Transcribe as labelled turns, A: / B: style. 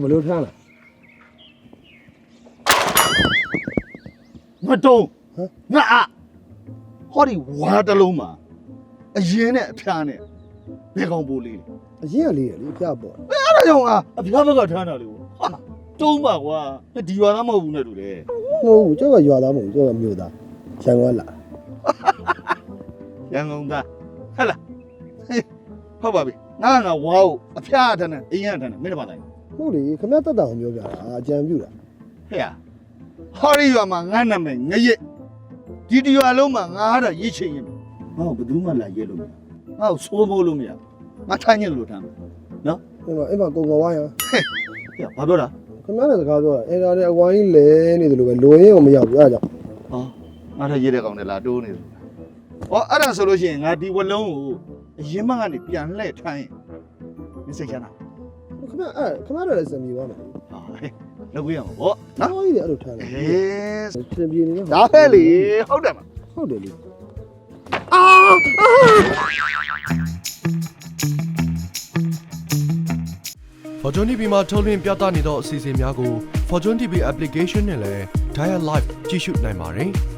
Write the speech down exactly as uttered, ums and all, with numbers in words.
A: ဘယ်လိုထမ်းလဲ
B: ငါတုံးငါအဟောဒီဝါတလုံးမှာအရင်နဲ့အဖျားနဲ့ဘယ်ကောင်ပိုးလေးလဲ
A: အရင်ကလေးရလေဖျားပေါ့
B: အဲ့ဒါကြောင့်ငါအဖျားဘက်ကထမ်းတာလေဟာတုံးပါကွာဒီရွာသားမဟုတ်ဘူးနဲ့တူတယ်
A: မဟုတ်ဘူးကျောက်ကရွာသားမဟုတ်ဘူးကျောက်ကမြို့သားရန်ကုန်လာ
B: ရန်ကုန်သားဟဲ့လားဟုတ်ပါပြီငါငါဝါကိုအဖျားထမ်းတယ်အရင်ကထမ်းတယ်မင်းတို့ပါလိုက်
A: ဟုတ်လေခမရတက်တာကိုပြောပြတာအကြံပြုတာ
B: ဟဲ့ဟောဒီရွာမှာငါနာမည်ငရက်ဒီဒီရွာလုံးမှာငါဟာတာရစ်ချင်ရင်ငါ့ကိုဘယ်သူမှလာရဲလို့မရငါ့ကိုစိုးမိုးလို့မရငါထိုင်းညလို့ထမ်းမယ်နော်
A: အဲ့တော့အဲ့မှာကုံကောဝိုင်းရ
B: ဟဲ့ဘာပြောတာ
A: ခမရတဲ့စကားပြောတာအဲ့ဒါလည်းအဝိုင်းလဲနေတယ်လို့ပဲလိုရင်းကိုမရောက်ဘူးအဲ့ဒါကြောင့်
B: ဟောငါထရဲတဲ့ကောင်နဲ့လာတိုးနေတယ်ဟောအဲ့ဒါဆိုလို့ရှိရင်ငါဒီဝလုံးကိုအရင်မှကနေပြန်လှည့်ထိုင်းမစိတ်ချမ်းသာ
A: ခမရအဲ့ခမရလည်းစံပြေသွားမယ်
B: ဟာဟဲ့လုပ်ပြရမှာဗော
A: နော်ဟောကြီးအဲ့လိုထမ်းတယ်
B: ဟေး
A: စံပြေနေ
B: ဒါပဲလေဟုတ်တယ်မ
A: ဟုတ်တယ်လေ
C: Fortune တီ ဗီ မှာထုတ်လွှင့်ပြသနေသောအစီအစဉ်များကို Fortune တီ ဗီ application နဲ့လည်း Dial Live ကြည့်ရှုနိုင်ပါတယ်။